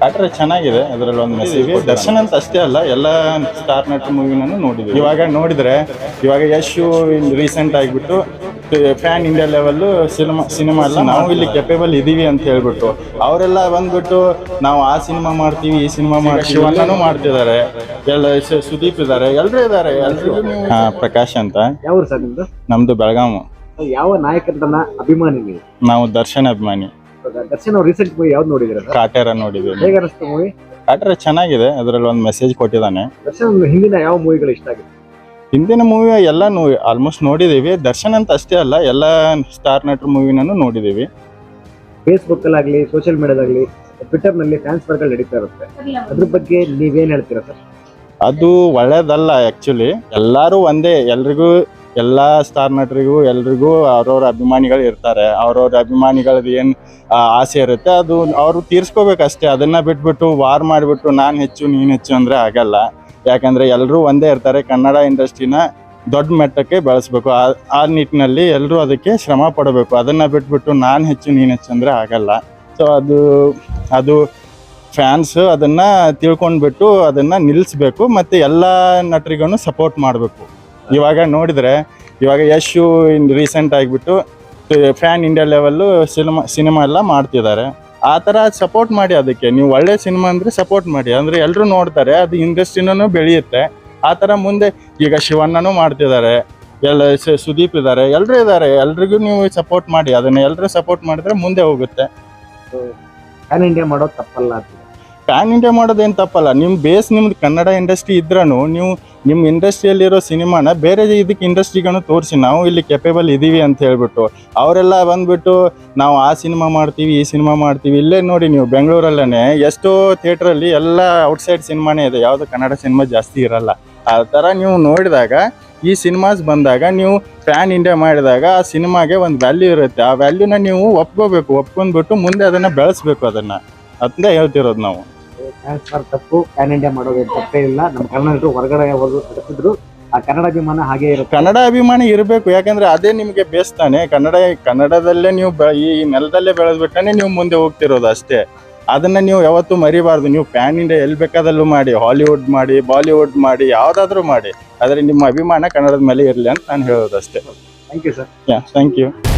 ಆಟ್ರೆ ಚೆನ್ನಾಗಿದೆ. ಅದರಲ್ಲಿ ಒಂದು ಮೆಸೇಜ್ ದರ್ಶನ್ ಅಂತ ಅಷ್ಟೇ ಅಲ್ಲ, ಎಲ್ಲ ಸ್ಟಾರ್ ನಟ ಮೂವಿನೂ ನೋಡಿದ್ವಿ. ಇವಾಗ ನೋಡಿದ್ರೆ ಇವಾಗ ಯಶ್ ರೀಸೆಂಟ್ ಆಗಿಬಿಟ್ಟು ಫ್ಯಾನ್ ಇಂಡಿಯಾ ಲೆವೆಲ್ ಸಿನಿಮಾ ಎಲ್ಲ ನಾವು ಇಲ್ಲಿ ಕೆಪೇಬಲ್ ಇದೀವಿ ಅಂತ ಹೇಳ್ಬಿಟ್ಟು ಅವರೆಲ್ಲ ಬಂದ್ಬಿಟ್ಟು ನಾವು ಆ ಸಿನಿಮಾ ಮಾಡ್ತೀವಿ, ಈ ಸಿನಿಮಾ ಮಾಡ್ತೀವಿ, ಶಿವಣ್ಣನೂ ಮಾಡ್ತಿದ್ದಾರೆ, ಎಲ್ಲ ಸುದೀಪ್ ಇದ್ದಾರೆ, ಎಲ್ಲರೂ ಇದ್ದಾರೆ. ಎಲ್ರಿಗೂ ಪ್ರಕಾಶ್ ಅಂತ. ಯಾವ ಸರ್ ನಿಮ್ದು? ನಮ್ದು ಬೆಳಗಾವಿ. ಯಾವ ನಾಯಕನ ಅಭಿಮಾನಿ ನೀವು? ನಾವು ದರ್ಶನ್ ಅಭಿಮಾನಿ. ದರ್ಶನ್ ಅವ್ರು ರೀಸೆಂಟ್ ಮೂವಿ ಯಾವ್ದು ನೋಡಿದ್ರೆ? ಕಾಟೇರ ನೋಡಿದ್ವಿ. ಹೇಗೆ ಅನಿಸ್ತು ಮೂವಿ? ಕಾಟೇರ ಚೆನ್ನಾಗಿದೆ. ಅದರಲ್ಲಿ ಒಂದು ಮೆಸೇಜ್ ಕೊಟ್ಟಿದ್ದಾನೆ. ದರ್ಶನ್ ಹಿಂದಿನ ಯಾವ ಮೂವಿಗಳು ಇಷ್ಟ ಆಗಿದೆ? ಹಿಂದಿನ ಮೂವಿ ಎಲ್ಲ ಆಲ್ಮೋಸ್ಟ್ ನೋಡಿದೀವಿ. ದರ್ಶನ್ ಅಂತ ಅಷ್ಟೇ ಅಲ್ಲ, ಎಲ್ಲ ಸ್ಟಾರ್ ನಟರ ಮೂವಿನೂ ನೋಡಿದೀವಿ. ಫೇಸ್ಬುಕ್ ಅಲ್ಲಾಗ್ಲಿ, ಸೋಷಿಯಲ್ ಮೀಡಿಯಾದಾಗ್ಲಿ, ಟ್ವಿಟರ್ ನಲ್ಲಿ ಫ್ಯಾನ್ಸ್ ವರ್ಗಳು ನಡೀತಾ ಇರುತ್ತೆ. ಅದ್ರ ಬಗ್ಗೆ ನೀವೇನ್ ಹೇಳ್ತೀರಾ ಸರ್? ಅದು ಒಳ್ಳೇದಲ್ಲ ಆಕ್ಚುಲಿ. ಎಲ್ಲರೂ ಒಂದೇ, ಎಲ್ರಿಗೂ ಎಲ್ಲ ಸ್ಟಾರ್ ನಟರಿಗೂ ಎಲ್ರಿಗೂ ಅವ್ರವ್ರ ಅಭಿಮಾನಿಗಳು ಇರ್ತಾರೆ. ಅವ್ರವ್ರ ಅಭಿಮಾನಿಗಳದ್ದು ಏನು ಆಸೆ ಇರುತ್ತೆ ಅದು ಅವರು ತೀರ್ಸ್ಕೋಬೇಕಷ್ಟೇ. ಅದನ್ನ ಬಿಟ್ಬಿಟ್ಟು ವಾರ್ ಮಾಡಿಬಿಟ್ಟು ನಾನು ಹೆಚ್ಚು ನೀನು ಹೆಚ್ಚು ಅಂದರೆ ಆಗಲ್ಲ. ಯಾಕಂದರೆ ಎಲ್ಲರೂ ಒಂದೇ ಇರ್ತಾರೆ. ಕನ್ನಡ ಇಂಡಸ್ಟ್ರಿನ ದೊಡ್ಡ ಮಟ್ಟಕ್ಕೆ ಬೆಳೆಸ್ಬೇಕು. ಆ ನಿಟ್ಟಿನಲ್ಲಿ ಎಲ್ಲರೂ ಅದಕ್ಕೆ ಶ್ರಮ ಪಡಬೇಕು. ಅದನ್ನು ಬಿಟ್ಬಿಟ್ಟು ನಾನು ಹೆಚ್ಚು ನೀನು ಹೆಚ್ಚು ಅಂದರೆ ಆಗಲ್ಲ. ಸೊ ಅದು ಫ್ಯಾನ್ಸ್ ಅದನ್ನು ತಿಳ್ಕೊಂಡ್ಬಿಟ್ಟು ಅದನ್ನು ನಿಲ್ಲಿಸ್ಬೇಕು. ಮತ್ತು ಎಲ್ಲ ನಟರಿಗೂ ಸಪೋರ್ಟ್ ಮಾಡಬೇಕು. ಇವಾಗ ನೋಡಿದರೆ ಇವಾಗ ಯಶ್ ರೀಸೆಂಟ್ ಆಗಿಬಿಟ್ಟು ಫ್ಯಾನ್ ಇಂಡಿಯಾ ಲೆವೆಲ್ಲು ಸಿನಿಮಾ ಎಲ್ಲ ಮಾಡ್ತಿದ್ದಾರೆ. ಆ ಥರ ಸಪೋರ್ಟ್ ಮಾಡಿ. ಅದಕ್ಕೆ ನೀವು ಒಳ್ಳೆ ಸಿನಿಮಾ ಅಂದರೆ ಸಪೋರ್ಟ್ ಮಾಡಿ, ಅಂದರೆ ಎಲ್ಲರೂ ನೋಡ್ತಾರೆ, ಅದು ಇಂಡಸ್ಟ್ರಿನೂ ಬೆಳೆಯುತ್ತೆ. ಆ ಥರ ಮುಂದೆ ಈಗ ಶಿವಣ್ಣನೂ ಮಾಡ್ತಿದ್ದಾರೆ, ಎಲ್ಲ ಸುದೀಪ್ ಇದ್ದಾರೆ, ಎಲ್ಲರೂ ಇದ್ದಾರೆ. ಎಲ್ರಿಗೂ ನೀವು ಸಪೋರ್ಟ್ ಮಾಡಿ. ಅದನ್ನು ಎಲ್ಲರೂ ಸಪೋರ್ಟ್ ಮಾಡಿದ್ರೆ ಮುಂದೆ ಹೋಗುತ್ತೆ. ಪ್ಯಾನ್ ಇಂಡಿಯಾ ಮಾಡೋದು ತಪ್ಪಲ್ಲ? ಪ್ಯಾನ್ ಇಂಡಿಯಾ ಮಾಡೋದೇನು ತಪ್ಪಲ್ಲ. ನಿಮ್ಮ ಬೇಸ್ ನಿಮ್ದು ಕನ್ನಡ ಇಂಡಸ್ಟ್ರಿ ಇದ್ರೂ ನೀವು ನಿಮ್ಮ ಇಂಡಸ್ಟ್ರಿಯಲ್ಲಿರೋ ಸಿನಿಮಾನ ಬೇರೆ ಇದಕ್ಕೆ ಇಂಡಸ್ಟ್ರಿಗೂ ತೋರಿಸಿ ನಾವು ಇಲ್ಲಿ ಕೆಪೇಬಲ್ ಇದ್ದೀವಿ ಅಂತ ಹೇಳ್ಬಿಟ್ಟು ಅವರೆಲ್ಲ ಬಂದ್ಬಿಟ್ಟು ನಾವು ಆ ಸಿನಿಮಾ ಮಾಡ್ತೀವಿ, ಈ ಸಿನಿಮಾ ಮಾಡ್ತೀವಿ. ಇಲ್ಲೇ ನೋಡಿ ನೀವು ಬೆಂಗಳೂರಲ್ಲೇ ಎಷ್ಟೋ ಥಿಯೇಟ್ರಲ್ಲಿ ಎಲ್ಲ ಔಟ್ಸೈಡ್ ಸಿನಿಮಾನೇ ಇದೆ, ಯಾವುದು ಕನ್ನಡ ಸಿನಿಮಾ ಜಾಸ್ತಿ ಇರಲ್ಲ. ಆ ಥರ ನೀವು ನೋಡಿದಾಗ ಈ ಸಿನಿಮಾಸ್ ಬಂದಾಗ ನೀವು ಪ್ಯಾನ್ ಇಂಡಿಯಾ ಮಾಡಿದಾಗ ಆ ಸಿನಿಮಾಗೆ ಒಂದು ವ್ಯಾಲ್ಯೂ ಇರುತ್ತೆ. ಆ ವ್ಯಾಲ್ಯೂನ ನೀವು ಒಪ್ಕೊಂಡ್ಬಿಟ್ಟು ಮುಂದೆ ಅದನ್ನು ಬೆಳೆಸ್ಬೇಕು. ಅದನ್ನು ಅಂತ ಹೇಳ್ತಿರೋದು ನಾವು. ತಪ್ಪು, ಪ್ಯಾನ್ ಇಂಡಿಯಾ ಮಾಡೋದು ತಪ್ಪೇ ಇಲ್ಲ. ನಮ್ಮ ಕನ್ನಡ ಹೊರಗಡೆ ನಡೆಸಿದ್ರು ಆ ಕನ್ನಡ ಅಭಿಮಾನ ಹಾಗೆ ಇರುತ್ತೆ. ಕನ್ನಡ ಅಭಿಮಾನ ಇರಬೇಕು. ಯಾಕಂದ್ರೆ ಅದೇ ನಿಮಗೆ ಬೇಸ್ತಾನೆ. ಕನ್ನಡದಲ್ಲೇ ನೀವು ಈ ನೆಲದಲ್ಲೇ ಬೆಳೆದ್ಬಿಟ್ಟನೆ ನೀವು ಮುಂದೆ ಹೋಗ್ತಿರೋದು ಅಷ್ಟೇ. ಅದನ್ನ ನೀವು ಯಾವತ್ತೂ ಮರಿಬಾರ್ದು. ನೀವು ಪ್ಯಾನ್ ಇಂಡಿಯಾ ಎಲ್ಲಿ ಬೇಕಾದಲ್ಲೂ ಮಾಡಿ, ಹಾಲಿವುಡ್ ಮಾಡಿ, ಬಾಲಿವುಡ್ ಮಾಡಿ, ಯಾವುದಾದ್ರೂ ಮಾಡಿ, ಆದರೆ ನಿಮ್ಮ ಅಭಿಮಾನ ಕನ್ನಡದ ಮೇಲೆ ಇರಲಿ ಅಂತ ನಾನು ಹೇಳೋದು ಅಷ್ಟೇ. Thank you sir. Thank you.